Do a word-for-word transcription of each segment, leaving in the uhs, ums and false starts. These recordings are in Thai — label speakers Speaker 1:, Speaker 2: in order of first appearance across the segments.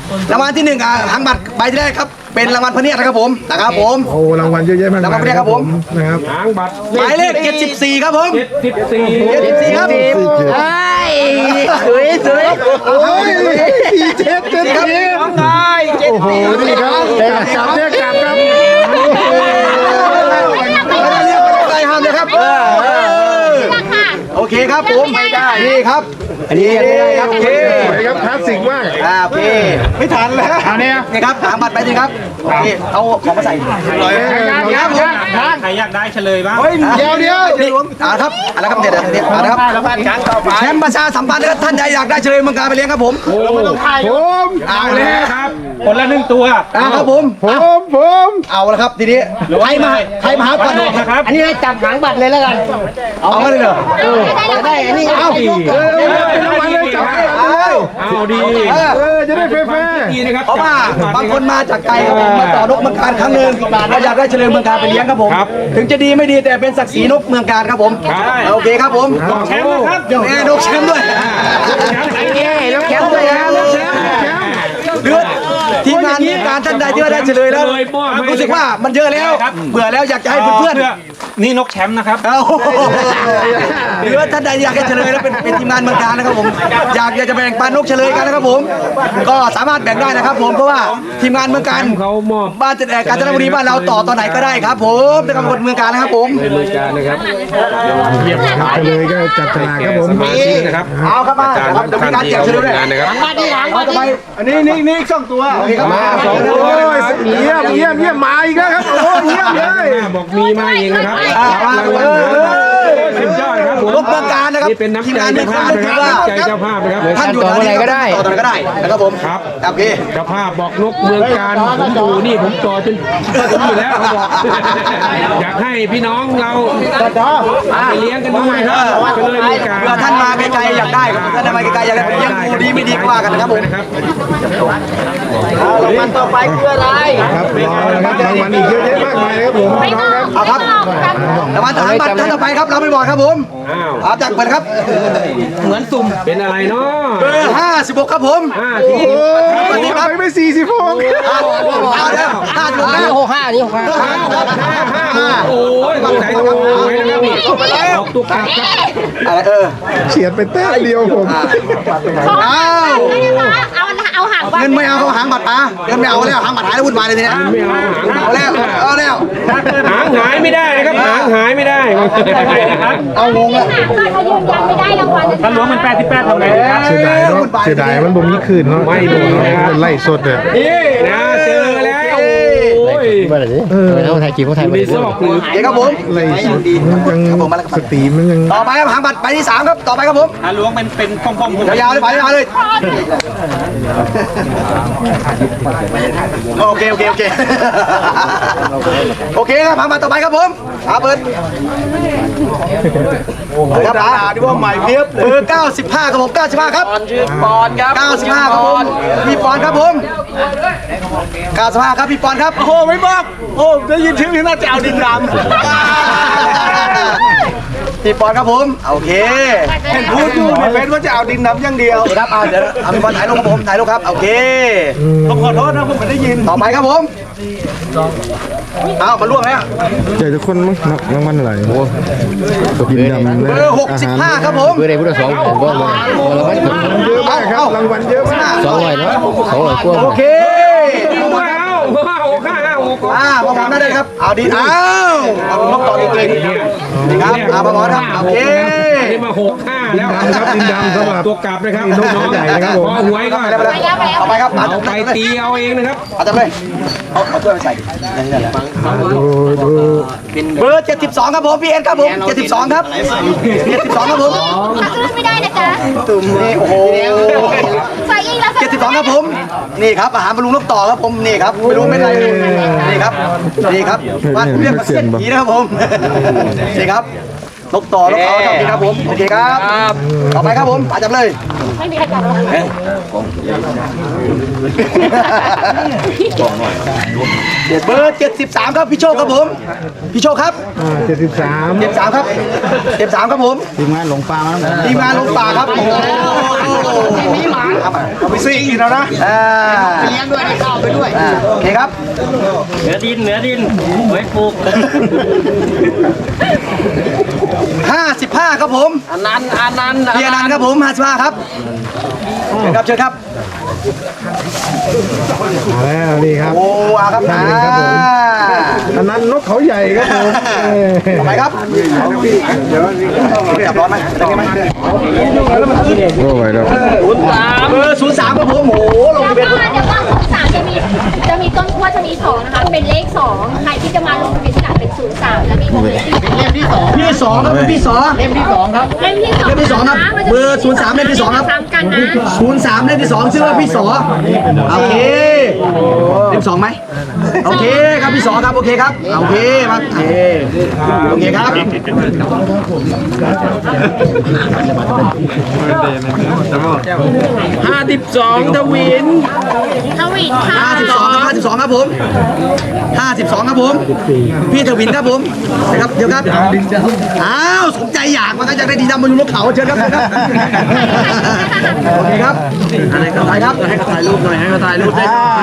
Speaker 1: รางวัลที่หนึ่งอ่ะหางบัตรใบแรกครับเป็นรางวัลพระเนียดนะครับผมนะครับผม
Speaker 2: โอ้รางวัลเยอะแยะมากมายนะครับผมนะครับ
Speaker 3: หางบัตร
Speaker 1: หมายเลขเจ็ดสิบสี่ครับผม
Speaker 3: เจ็ดสิบสี่
Speaker 1: เจ็ดสิบสี่ครับ
Speaker 4: สวยสวย
Speaker 2: โอ้ยสี่เจ็ดเจ็ดครับโอ้โหนี่ครับกลับเนี่ยกลับครับ
Speaker 1: ไม่ได้เรียกไม่ได้ห้ามเลยครับโอเคครับผมไม่ได้นี่ครับอันนี้ไม่ได้ครับโอเค
Speaker 2: สวยครับคลาสสิกมาก
Speaker 1: อ่าโอเคไม่ทันแล้วอันนี้นี่ครับหางบัตรไปสิครับโอเคเอาของมาใส่ครับผม
Speaker 3: ใครอยากได้เฉลยบ้าง
Speaker 1: เดี๋ยวเดี๋ยวนี่อ่าครับอะไรครับเดี๋ยวเดี๋ยวเอาละครับแชมป์ประชาสัมพันธ์นะครับท่านใดอยากได้เฉลยมังกรไปเลี้ยงครับผม
Speaker 2: ผม
Speaker 1: เอาเลย
Speaker 3: ครับคนละหนึ่งตัว
Speaker 1: อ่าครับผม
Speaker 2: ผมผม
Speaker 1: เอาละครับทีนี้ใครมาใครมาหาก่อน
Speaker 3: นะครับ
Speaker 4: อันนี้ให้จับหางบัตรเลยแล้วกัน
Speaker 1: เอามาเลยเหรอ
Speaker 4: ได้อันนี้
Speaker 1: เอา
Speaker 2: เออเป็นรางวัลเลยจับ
Speaker 1: เอา
Speaker 3: เอาดี
Speaker 1: เออ
Speaker 2: เออจะได้แฟร์
Speaker 3: ดีนะครับ
Speaker 1: เพราะว่าบางคนมาจากไกลครับผมมาต่อนกเมืองการครั้งหนึ่งเราอยากได้เฉลยเมืองการไปเลี้ยงครับผมถึงจะดีไม่ดีแต่เป็นศักดิ์ศรีนกเมืองการครับผมโอเคครับผม
Speaker 3: แชมป์นะครับ
Speaker 1: แน่นกแชมป์ด้วย
Speaker 4: เย้แล้วแคมป์เลยครับ
Speaker 1: เลือดทีมงานเมืองการท่านใดที่ว่าได้เฉลยแล้วรู้สึกว่ามันเยอะแล้วเบื่อแล้วอยากจะให้เพื่อนๆ
Speaker 3: นี่นกแชมป์นะครับ
Speaker 1: เอาหรือว่าท่านใดอยากจะเฉลยแล้วเป็นเป็นทีมงานเมืองการนะครับผมอยากอยากจะแบ่งปันนกเฉลยกันนะครับผมก็สามารถแบ่งได้นะครับผมเพราะว่าทีมงานเมืองการ
Speaker 3: เขามอบ
Speaker 1: บ้านจัดแอกาญจนบุรีบ้านเราต่อตอนไหนก็ได้ครับผมนะครับคนเมืองการนะครับผม
Speaker 3: เป็นมือการนะครับ
Speaker 2: ๆไปเลยก็จับฉลากครับผม
Speaker 3: สมาชิกนะครับ
Speaker 1: เอาครับมาครับเดี๋ยวมีการแจกเฉลยด้วย
Speaker 3: นะครับ
Speaker 4: หางบัตรนี่หาง
Speaker 1: เอา
Speaker 4: บัตร
Speaker 1: ต่อไป
Speaker 4: นี่
Speaker 1: อันนี้นี่นี่สองตัวโอเคครับมาสองตัว
Speaker 2: โอ้ยเยี่ยมเยี่ยมเยี่ยมมาอีกแล้วครับโอ้เยี่ยมเลย
Speaker 3: บอกมีมาเองนะครับ
Speaker 1: อ่ามาเออเออ
Speaker 3: สุดยอดครับผม
Speaker 1: นกเมืองการนะครับ
Speaker 3: นี่เป็นน้ำ
Speaker 1: ทีม
Speaker 3: ใจ
Speaker 1: งานเมือง
Speaker 3: เจ้า
Speaker 1: การ
Speaker 3: ภาพ
Speaker 1: ถื
Speaker 3: นะ
Speaker 1: อ
Speaker 3: ครับ
Speaker 1: ว่า
Speaker 3: น้ำใจเจ้าภาพนะครับ
Speaker 1: ท่านอยู่ที่ไหนก็ได้ต่อตอนไหนก็ได้นะครับผม
Speaker 3: ครับ
Speaker 1: โอเค
Speaker 3: เจ้าภาพบอกนกเมืองการผมดูนี่ผมจอจนผมอยู่แล้วเขาบอกอยากให้พี่น้องเราเอาไปเลี้ยงกันด้วยครับก็เลยมีการ
Speaker 1: เพื่อท่านมาไกลๆอยากได้ครับท่านมาไกลๆอยากได้ผมเลี้ยงดูดีไม่ดีกว่ากันนะครับผม
Speaker 3: นะครับ
Speaker 4: รางวัลต่อไปคืออะไร
Speaker 2: ครับรอนะครับรางวัลอีกเยอะแยะมากมายเลยครับผมน้องครับ
Speaker 1: เอาครับรางวัลทหารบัตรท่านต่อไปครับเราไม่บอกครับผม
Speaker 3: อ้าว
Speaker 1: เอาจากเปิดครับ
Speaker 3: เหมือนสุ่มเป็นอะไรเนาะ
Speaker 1: เบอร์ห้าสิบหกครับผม
Speaker 3: ห้าที
Speaker 2: โอ้ยไปไม่สี่สิบหก
Speaker 1: เอาเอาแล้วห้าสิบหก
Speaker 4: ห้า
Speaker 1: แล้ว
Speaker 4: หกห้านี่หกห้า
Speaker 3: ห้าห้าห้าโอ้ยต้องใส่ตัวไว้นะครับนี่ออกตัวกลับครับ
Speaker 1: อะไรเออ
Speaker 2: เฉียดไปแต้มเดียวผม
Speaker 1: เอา
Speaker 5: เอาเอาหางบัตร
Speaker 1: เงินไม่เอาเขาหางบัตรมาเงินไม่เอาแล้วหางบัตรหายแล้ววุ่นวายเลยทีเนี้ย
Speaker 3: ไม่เอาหาง
Speaker 1: เอาแล้วเอาแล้ว
Speaker 3: หางหายไม่ได้นะครับหางหายไม่ได้นะครับ
Speaker 1: เอางงแล้ว
Speaker 5: หางบัตรเขายืนยันไม่ได้รางวัล
Speaker 3: ถ้าหลวงมันแปดสิบแปดทำไงครับ
Speaker 2: เสียดายเนาะเสียดายมันบ่มีคืนเนาะ
Speaker 3: ไม่มีนะครับ
Speaker 2: มันไล่สดเลย
Speaker 3: นี่นะเจอแล้วโอ้ย
Speaker 4: เมื่อไหร่ดิเขาถ่ายจีบเขาถ่าย
Speaker 3: อยู่ในซอกหรือ
Speaker 1: เดี๋ยวครับผม
Speaker 2: ไล่สดมันยังสตรีมมันยัง
Speaker 1: ต่อไปครับหางบัตรใบที่สามครับต่อไปครับผม
Speaker 3: ถ้าหลวงเป็นเป็นพองๆ
Speaker 1: ยาวๆเลยไปยาวๆเลยโอเคโอเคโอเคโอเคครับหางบัตรต่อไปครับผมอาเบิร์ดครับดีว่าใหม่เพียบเบอร์เก้าสิบห้าครับผมเก้าสิบห้าครับ
Speaker 4: ชื่อปอนครับ
Speaker 1: เก้าสิบห้าครับผมพี่ปอนครับผมเก้าสิบห้าครับพี่ปอนครับโอ้โหไม่บอกโอ้ได้ยินชื่อนี่น่าจะเอาดินดำพี่ปอนครับผมโอเคเห็นพูดอยู่ในเฟซว่าจะเอาดินดำอย่างเดียวครับเอาเดี๋ยวเอาพี่ปอนถ่ายรูปครับผมถ่ายรูปครับโอเคผมขอโทษนะผมไม่ได้ยินต่อไปครับผมเอามาล่วงแล้ว
Speaker 2: ใหญ่ทุกคนมั้งรางวัลอะไรโอ้ดินดำ
Speaker 1: เบอร์หกสิบห้าครับผม
Speaker 4: เบอร์ใดพุทธสองผมก็มาเราไม่ถึง
Speaker 2: เยอะมากครับรางวัลเยอะมาก
Speaker 4: สองร้อยเนาะสองร้อยกว่า
Speaker 1: โอเค
Speaker 3: ว้าวว้าวห้าห้าหก
Speaker 1: อ่ามาบอกได้ครับเอาดีอ้าวเอานกต่อจริงๆนี่ครับเอามาบอกครับโอเค
Speaker 3: นี่มาหกห้าแล้ว
Speaker 2: ครับดินดำสำหรับ
Speaker 3: ตัวกลับนะครับ
Speaker 2: นกตัวใหญ่นะครับผม
Speaker 3: พอหวยก็
Speaker 1: ไปเลยเอาไปครับเอา
Speaker 3: เอาไปตีเอาเองนะครับ
Speaker 1: เอาจับเลยเอาเอาถ้วยไปใส่
Speaker 2: ดูดู
Speaker 1: เบอร์เจ็ดสิบสองครับผมพี่เอ็นครับผมเจ็ดสิบสองครับเจ็ดสิบสองครับผม
Speaker 5: ขึ้นไม่ได้นะจ๊ะ
Speaker 1: ตุ่มนี่โอ้โห
Speaker 5: ใส่อีกแล้ว
Speaker 1: เจ็ดสิบสองครับผมนี่ครับอาหารบรรลุนกต่อครับผมนี่ครับไม่รู้ไม่ไรนี่ครับนี่ครับบ้านเรียกว่าเส้นผีนะครับผมนี่ครับนกต่อนกเขาครับนี่ครับผมโอเคครับต่อไปครับผมอาจับเลย
Speaker 5: ไม่มีใครจับหรอก
Speaker 1: เบอร์เจ็ดสิบสามครับพี่โชคครับผมพี่โชคครับ
Speaker 2: อ่าเจ็ดสิบสาม
Speaker 1: เจ็ดสามครับเจ็ดสามครับผม
Speaker 2: ทีมงานหลงปลามาแล้ว
Speaker 1: ทีมงานลงป่าครับโอ้โหมีหมาเอาไปซี่อีกแล้วนะอ่า
Speaker 4: เลี้ยงด้วยได้ข้าวไปด้วย
Speaker 1: อ่าโอเคครับ
Speaker 4: เหนือดินเหนือดินไว้ปลูก
Speaker 1: ห้าสิบห้าครับผม
Speaker 4: อันนั้นอันนั้น
Speaker 1: พี่อนันต์ครับผมห้าสิบห้าครับเชิญครับเชิญครับ
Speaker 2: มาแล้วนี่ครับ
Speaker 1: โอ้อาครับอ่า
Speaker 2: อันนั้นนกเขาใหญ่ครับผมเออ
Speaker 1: ต่อไปครับจับร้อนไหมจับไหม
Speaker 2: โอ้ยแล้ว
Speaker 1: เบอร์ศูนย์สามครับผมโอ้โหลง
Speaker 5: แล้ว
Speaker 1: ทะเบียน
Speaker 5: ก็เดี๋ยวว่าศูนย์สามจะมีจะมีต้นขั้วจะมีสองนะคะ เป็นเลขสองใครที่จะมาลงทะเบียนที่หลังเป็นศูนย์สามแล้วมีวงเล็บที่
Speaker 4: เล่มที่สอง
Speaker 1: พี่สองครับพี่สอง
Speaker 4: เล่มที่สองครับ
Speaker 5: เล่มที่สอง
Speaker 1: เล่มที่สองครับ
Speaker 5: นะมันจะ
Speaker 1: เบอร์ศูนย์สามเล่มที่สองครับ
Speaker 5: ซ้ำกันนะ
Speaker 1: ศูนย์สามเล่มที่สองชื่อว่าพี่สอโอเคเล่มสองไหมโอเคครับพี่สอครับโอเคครับโอเคมาโอเคโอเคครับ
Speaker 3: ห้าสิบสองทวิน
Speaker 5: ทวินค่ะ
Speaker 1: ห้าสิบสองครับห้าสิบสองครับผมห้าสิบสองครับผมพี่ทวินครับผมนะครับเดี๋ยวครับอ้าวสนใจอยากมันก็จะได้ดีดำมาอยู่บนเขาเชิญครับเชิญครับโอเคครับอะไรก็ถ่ายครับให้เขาถ่ายรูปหน่อยให้เขาถ่ายรูปได้หน่อย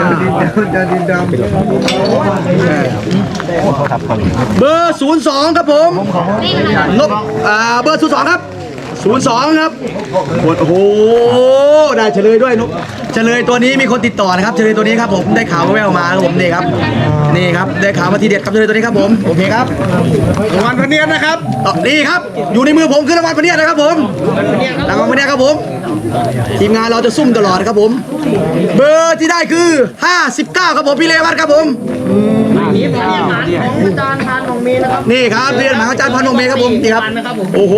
Speaker 1: เบอร์ศูนย์สองครับผม
Speaker 5: นี่นะคะ
Speaker 1: นกอ่าเบอร์ศูนย์สองครับศูนย์สองครับโอ้โหได้เฉลยด้วยนกเฉลยตัวนี้มีคนติดต่อนะครับเฉลยตัวนี้ครับผมได้ข่าวแว่วๆมาครับผมนี่ครับนี่ครับได้ข่าวมาทีเด็ดครับเฉลยตัวนี้ครับผมโอเคครับรางวัลพเนียดนะครับอ๋อนี่ครับอยู่ในมือผมคือรางวัลพเนียดนะครับผมรางวัลพเนียดครับผมทีมงานเราจะซุ่มตลอดครับผมเบอร์ที่ได้คือห้าสิบเก้าครับผมพี่เลวัตครับผม
Speaker 4: นี่เป็นเรียนหมาของอาจารย์พานของเมย์นะครับ
Speaker 1: นี่ครับเรียนมหาอาจารย์พันโนเมครับผมนี่ครับโอ้โห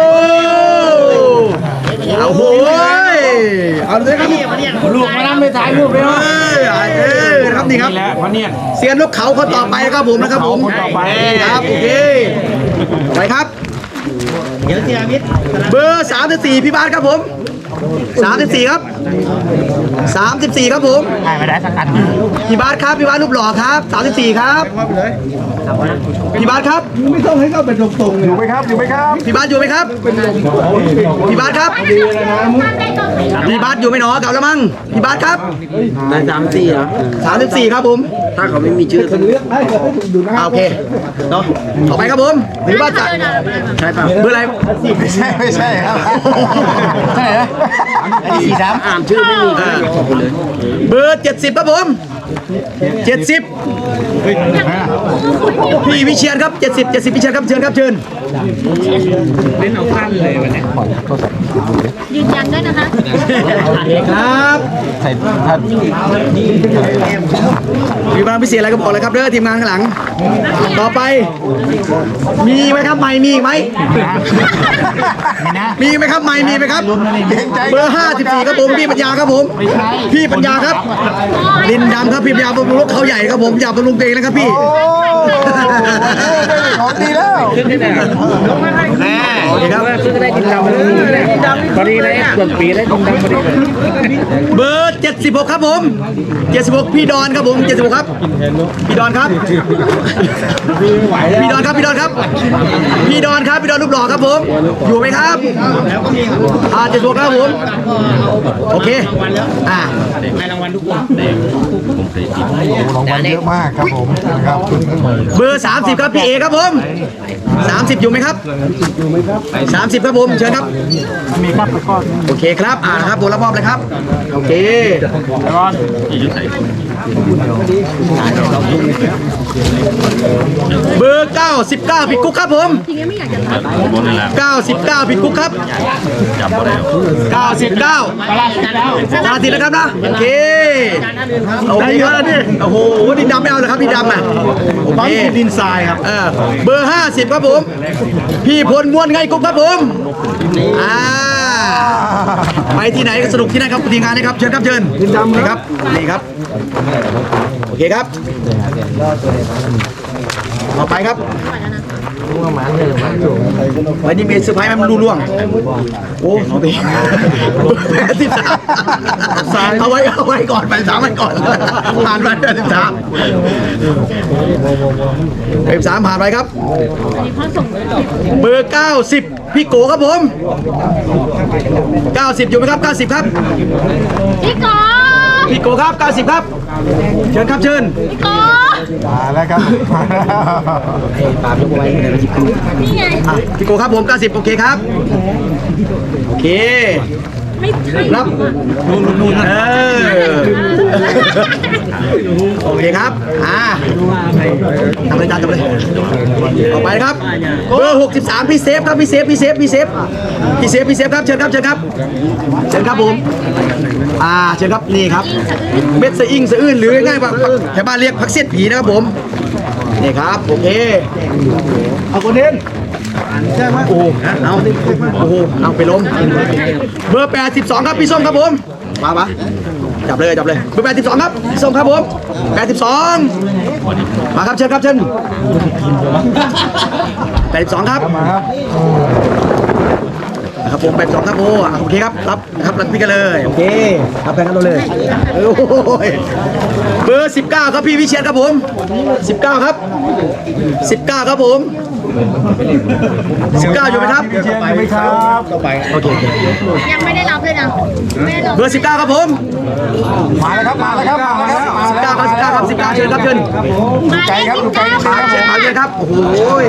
Speaker 1: เอาโหยเอาเลยครับ
Speaker 4: ลูกมานั่งไปถ่ายรูปเลย
Speaker 1: เอ้ยเอ้ยนะครับนี่ครับ
Speaker 3: และพะเนียด
Speaker 1: เสียนนกเขาคนต่อไปครับผมนะครับผมครับโอเคไปครับ
Speaker 4: เดี๋ยวเจอมิตร
Speaker 1: เบอร์สามสิบสี่พี่บาสครับผมสามสิบสี่ครับสามสิบสี่ครับผม
Speaker 4: ถ่ายไม่ได้สักอัน
Speaker 1: พี่บาสครับพี่บาสรูปหล่อครับสามสิบสี่ครับพี่บาสครับ
Speaker 2: ไม่ต้องให้เข้าเป็นตรงๆอยู่ไหมครับอยู่ไหมครับ
Speaker 1: พี่บาสอยู่ไหมครับพี่บาสครับ
Speaker 5: ได้ต้นสี
Speaker 1: พี่บาสอยู่ไหมหนอกลับแล้วมั้งพี่บาสครับ
Speaker 3: ได้สามสี่เหรอ
Speaker 1: สามสิบสี่ครับผม
Speaker 3: ถ้าเขาไม่มีชื่อ
Speaker 2: เลือกได้ก็ได้ดูนะค
Speaker 1: อ่า
Speaker 2: รับ
Speaker 1: โอเคเนาะต่อไปครับผมพี่บาสจะ
Speaker 3: ใช่ป่ะ
Speaker 1: เบอร์อะไร
Speaker 2: ไม่ใช่ไม่ใช่ครับ
Speaker 1: ใช่เหรอ
Speaker 2: สี่สาม
Speaker 3: อ่านชื่อไม่มีก็เลยขอบคุณเลย
Speaker 1: เบอร์เจ็ดสิบครับผมเจ็ดสิบพี่วิเชียนครับเจ็ดสิบเจ็ดสิบวิเชียนครับเชิญครับเชิญ
Speaker 3: เล่นเอาขั้นเลยวันนี้
Speaker 5: ยืนยันด้วยนะคะ
Speaker 1: ครับมีบางพิเศษอะไรก็บอกเลยครับเด้อทีมงานข้างหลัง ต่อไป มีไหมครับไม่มีอีกไหมมีไหมครับไม่มีไหมครับ เบอร์ห้าสิบสี่ครับผมพี่ปัญญาครับผม พี่ปัญญาครับดินดำครับพี่ปัญญาบำรุงรถเขาใหญ่ครับผมอยากบำรุงตัวเองนะครับพี่
Speaker 2: ของดีแล้ว
Speaker 1: โอเคครับ
Speaker 3: ซื้อได้ดินดำเลยพอดีเลยส่วนปีได้ดินดำพอดีเลย
Speaker 1: เบอร์เจ็ดสิบหกครับผมเจ็ดสิบหกพี่ดอนครับผมเจ็ดสิบหกครับพี่ดอนครับพี่ดอนครับพี่ดอนครับพี่ดอนครับพี่ดอนรูปหล่อครับผมอยู่ไหมครับอ่าเจ็ดสิบหกครับผมโอเคอ่า
Speaker 2: รางวัลเยอะมากครับผมครับ
Speaker 1: เบอร์สามสิบครับพี่เอครับผมสามสิบอยู่ไหมครับสามสิบครับผมเชิญครับมีครับโอเคครับอ่าครับตัวรับมอบเลยครับโอเคเบอร์เก้าสิบเก้าพี่กุ๊กครับผมเก้าสิบเก้าพี่กุ๊กครับเก้าสิบเก้าตาติดแล้วครับนะโอเคโอเคครับโอ้โหดินดำไม่เอาเลยครับดินดำอ่ะโอเคดินทรายครับเออเบอร์ห้าสิบครับผมพี่พลม้วนไงกุ๊กครับผมอ่าไปที่ไหนก็สนุกที่นั่นครับทีมงานนะครับเชิญครับเชิญดินดำครับนี่ครับโอเคครับต่อไปครับวันนี้มีเซอร์ไพรส์มันรู้ล่วงโอ้น้องตีแปดสิบสามเอาไว้เอาไว้ก่อนไปสามวันก่อนผ่านไปแปดสิบสามแปดสิบสามผ่านไปครับเบอร์เก้าสิบพี่โกครับผมเก้าสิบอยู่ไหมครับเก้าสิบครับ
Speaker 5: พี่กอ
Speaker 1: พี่โกครับเก้าสิบครับเชิญครับเชิญ
Speaker 5: พี่กอ
Speaker 2: มาแล้วครับมาแล้ว
Speaker 5: นี่ไง
Speaker 1: อ่ะพี่โกครับผมเก้าสิบโอเคครับโอเค
Speaker 5: ไม่ใช่
Speaker 1: รับนู่นนู่นเออโอเคครับอ่าทำเลยจ้าทำเลยต่อไปครับเบอร์หกสิบสามพี่เซฟครับพี่เซฟพี่เซฟพี่เซฟพี่เซฟพี่เซฟครับเชิญครับเชิญครับเชิญครับผมอ่าเชิญครับนี่ครับเม็ดสะอิงสะอื้นหรือง่ายๆว่าแถวบ้านเรียกผักเสี้ยนผีนะครับผมนี่ครับโอเคเอาคนเด่นใช่ไหมโอ้เอาโอ้โหเอาไปล้มเบอร์แปดสิบสองครับพี่ส้มครับผมมาปะจับเลยจับเลยเบอร์แปดสิบสองครับพี่ส้มครับผมแปดสิบสองมาครับเชิญครับเชิญแปดสิบสองครับนะครับผมแปดสิบสองครับโอ้โอเคครับรับนะครับรับพี่กันเลยโอเครับแพงกันเราเลยโอ้ยเบอร์สิบเก้าครับพี่วิเชียรครับผมสิบเก้าครับสิบเก้าครับผมสิบเก้าอยู่ไหมครับ
Speaker 2: ไปไหมครับต่อไป
Speaker 1: โอเค
Speaker 5: ยังไม่ได้รับเลยนะไม่ได้รับ
Speaker 1: เบอร์สิบเก้าครับผม
Speaker 2: มาแล้วครับมาแล้วครับมาแล้วครับมา
Speaker 1: สิบ
Speaker 2: แล้
Speaker 1: เก้าว ครับสิบเก้าครับสิบเก้าเชิญครับเชิญ
Speaker 5: มา
Speaker 2: ใจ
Speaker 5: เลข
Speaker 2: ครับ
Speaker 5: สิ
Speaker 2: ดู
Speaker 5: บ
Speaker 2: ใจ
Speaker 5: เก้า
Speaker 2: ครับ
Speaker 1: เชิญมาเลยครับโอ้โห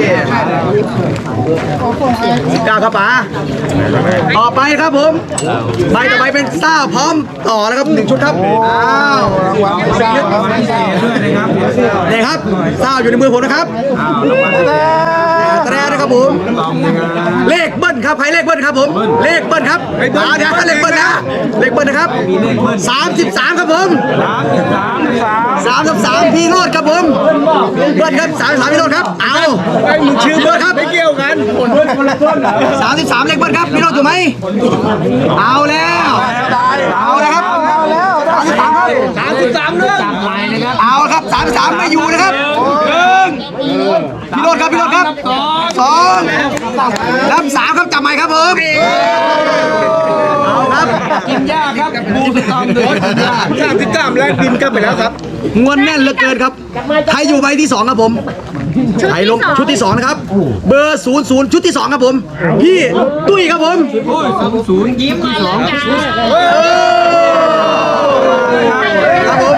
Speaker 1: สิบเก้าครับป๋าต่อไปครับผมใบต่อไปเป็นซ่าพร้อมต่อแล้วครับหนึ่งชุดครับอ้าว
Speaker 2: รางวัลพิซซ่าครับ
Speaker 1: นี่ครับซ่าอยู่ในมือผมนะครับแตรนะครับผมเลขเบิ้ลครับใครเลขเบิ้ลครับผมเลขเบิ้ลครับอ่าเดี๋ยวเลขเบิ้ลนะเลขเบิ้ลนะครับสามสิบสามครับผมสามสิบสามพี่โรดครับผมเบิ้ลครับสามสิบสามพี่โรดครับเอาชื่อเบิ้ลครับไม่เกี่ยวกันสามสิบสามเลขเบิ้ลครับพี่โรดอยู่ไหมเอาแล้วเอาแล้วครับสามสิบสามครับสามสิบสามเรื่องเอาครับสามสิบสามไม่อยู่นะครับหนึ่งพี่โรดครับพี่โรดครับสองรับสามครับจับใหม่ครับผมเอาครับกินยากครับบูสตอมด้วยสามสิบสามแรกดินกันไปแล้วครับงวนแน่นเหลือเกินครับใครอยู่ใบที่สองครับผมใครลงชุดที่สองนะครับเบอร์ศูนย์ศูนย์ชุดที่สองครับผมพี่ตุ้ยครับผมศูนย์ยิ้มที่สองครับผม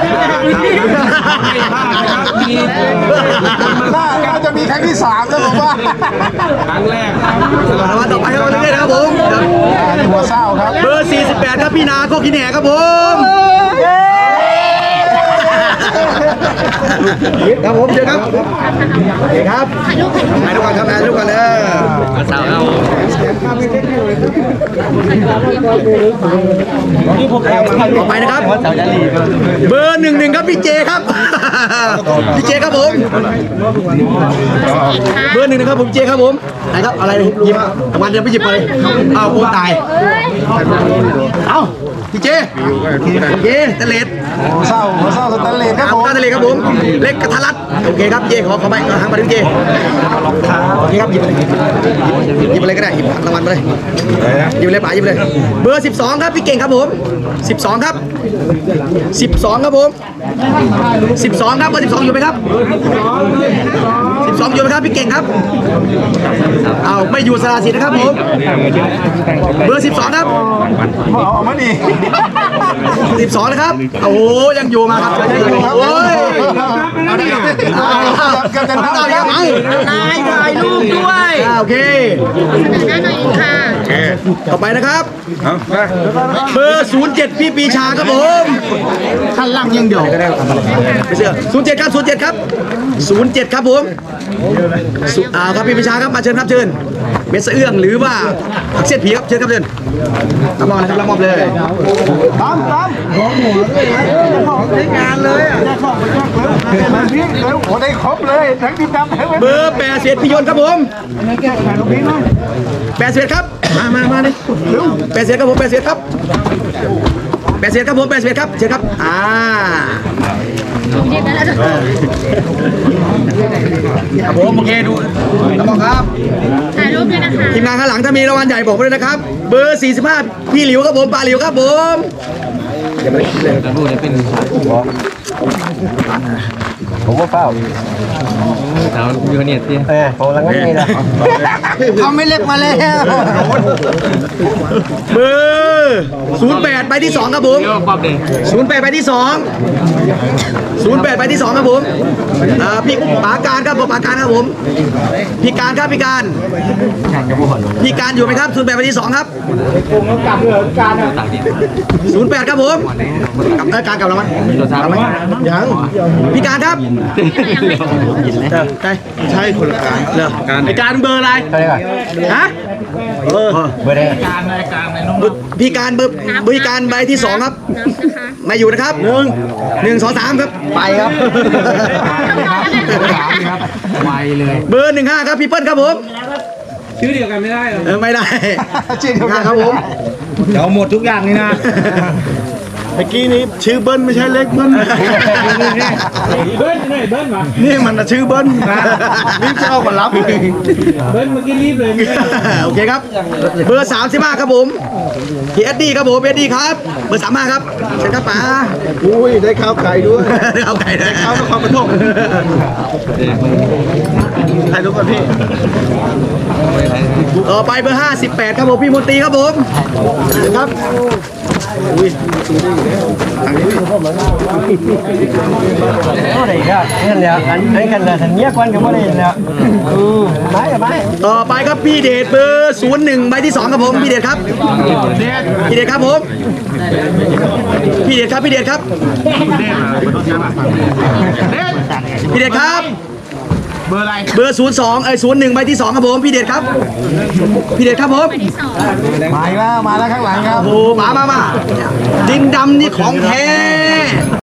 Speaker 2: น่าจะมีครั้งที่สามแล้วผมว่า
Speaker 3: ครั้งแรก
Speaker 1: รางวัลต่อไปครับเรื่อยๆนะครับผม
Speaker 2: หัวเศร้าครับ
Speaker 1: เบอร์สี่สิบแปดครับพี่นาโคกินแหนครับผม ครับผมเชิญครับโอเคครับถ่ายรูปถ่ายรูปก่อนครับถ่ายรูปก่อนเลยสาวเราต่อไปนะครับเบอร์หนึ่งหนึ่งครับพี่เจครับพี่เจครับผมเบอร์หนึ่งนะครับผมเจครับผมไหนครับอะไรหยิบรางวัลเดินไปหยิบไปเอาโคตายเอาพี่เจโอเคตะเลด
Speaker 2: หัวเศร้าหัวเศร้าสแตนเลสครับ
Speaker 1: เอา
Speaker 2: ผม
Speaker 1: ตาทะเลครับผมเล็กกระทะรัดโอเคครับเจขอขอไปทางมาดิเจโอเคครับหยิบเลยหยิบอะไรก็ได้หยิบรางวัลไปเลยหยิบเลยป๋าหยิบเลยเบอร์สิบสองครับพี่เก่งครับผมสิบสองครับสิบสองครับผมสิบสองครับเบอร์สิบสองอยู่ไหมครับสิบสองอยู่ไหมครับพี่เก่งครับเอาไม่อยู่สระสิทธิ์นะครับผมเบอร์สิบสองครับ
Speaker 2: เอาเอามาดิ
Speaker 1: สิบสองนะครับโอ้โหยังอยู่มาครับโอ้ย
Speaker 2: กันจะนับ
Speaker 1: เอา
Speaker 2: ค
Speaker 1: ยั
Speaker 2: รับ
Speaker 1: งไง
Speaker 4: นายถ่ายรูปด้วย
Speaker 1: อ่าโอเค
Speaker 5: หน้าหน่อยค่ะ
Speaker 1: ต่อไปนะครับเบอร์ศูนย์เจ็ดพี่ปีชาครับผม
Speaker 2: ขั้นล่างยิงเดียว
Speaker 1: ไม่เชื่อศูนย์เจ็ดครับศูนย์เจ็ดครับศูนย์เจ็ดครับผมสุอ่าครับพี่ปีชาครับมาเชิญครับเชิญเม็ดสะเอื้องหรือว่าผักเสี้ยนผีครับเชิญครับเชิญรับมอบนะครับรับมอบเลย
Speaker 2: ตามตามของหัวเลยใช้งานเลยอ่ะมันพี่เลยโอ้ได้ครบเลยทั้งดินดำทั้ง
Speaker 1: เบอร์แปดสิบพี่ยนต์ครับผมแปดสิบครับมามามาเลยแปดสิบครับผมแปดสิบครับแปดสิบครับผมแปดสิบครับเชิญครับอ่า
Speaker 5: เด็กนั้นแล้ว
Speaker 1: ครับผมโอเคดูแล้วบอกครับ
Speaker 5: ถ่ายรูปด้วยนะคะ
Speaker 1: ทีมงานข้างหลังถ้ามีรางวัลใหญ่บอกมาด้วยนะครับ เบอร์สี่สิบห้าพี่หลิวครับผมปลาหลิวครับผมผมว่าเฝ้าเรามีคนเนี่ยเออผมรังไม่ได้เขาไม่เล็กมาแล้วเบอร์ศูนย์แปดใบที่สองครับผมศูนย์แปดใบที่สองศูนย์แปดใบที่สองครับผมอ่าพี่ปาการครับผมปาการครับผมพี่การครับพี่การพี่การอยู่ไหมครับศูนย์แปดใบที่สองครับศูนย์แปดครับผมกับเออการกับเราไหมยังพี่การครับใช่ใช่คนละการเหรอการไอการเบอร์อะไรฮะเบอร์เบอร์ใดพี่การเบอร์พี่การใบที่สองครับมาอยู่นะครับหนึ่งหนึ่งสองสามครับไปครับไวเลยเบอร์หนึ่งห้าครับพี่เปิ้ลครับผม
Speaker 3: ชื่อเดียวกันไม่ได้เหรอ
Speaker 1: เออไม่ได้ชื่อเดียวกันครับผมเดี๋ยวหมดทุกอย่างนี่นะ
Speaker 2: เมื่อกี้นี้ชื่อเบิ้ลไม่ใช่เล็กเบิ้ล
Speaker 3: เบิ้ลไหนเบิ้ลมา
Speaker 2: นี่มันน่ะชื่อเบิ้ลนะรีบจะเอามารับเลย
Speaker 3: เบิ้ลเมื่อกี้รีบเลย
Speaker 1: โอเคครับเบอร์สามสิบห้าครับผมพี่เอ็ดดี้ครับผมเอ็ดดี้ครับเบอร์สามห้าครับเชิญครับป๋า
Speaker 2: อุ้ยได้ข้าวไก่ด้วย
Speaker 1: เอาไก่ได้
Speaker 2: ข้าวนครปฐมถ่ายรูปกันพี่
Speaker 1: ต่อไปเบอร์ห้าสิบแปดครับผมพี่มนตรีครับผมเชิญครับอุ้ย
Speaker 4: อะไรกันนี่แหละอันนี้กันเลยทันเงียบกันก็ไม่ได้แล้วอืมไม่ไม่
Speaker 1: ต่อไปครับพี่เดชเบอร์ศูนย์หนึ่งใบที่สองครับผมพี่เดชครับพี่เดชครับผมพี่เดชครับพี่เดชครับพี่เดชครับเบอร์อะไรเบอร์ศูนย์สองเอ้ยศูนย์หนึ่งใบที่สองครับผมพี่เดชครับพี่เดชครับผม
Speaker 5: ที่สอง
Speaker 2: มาแล้วมาแล้วข้างหลังครับ
Speaker 1: โอ้โหมามามาดินดำนี่ของแท้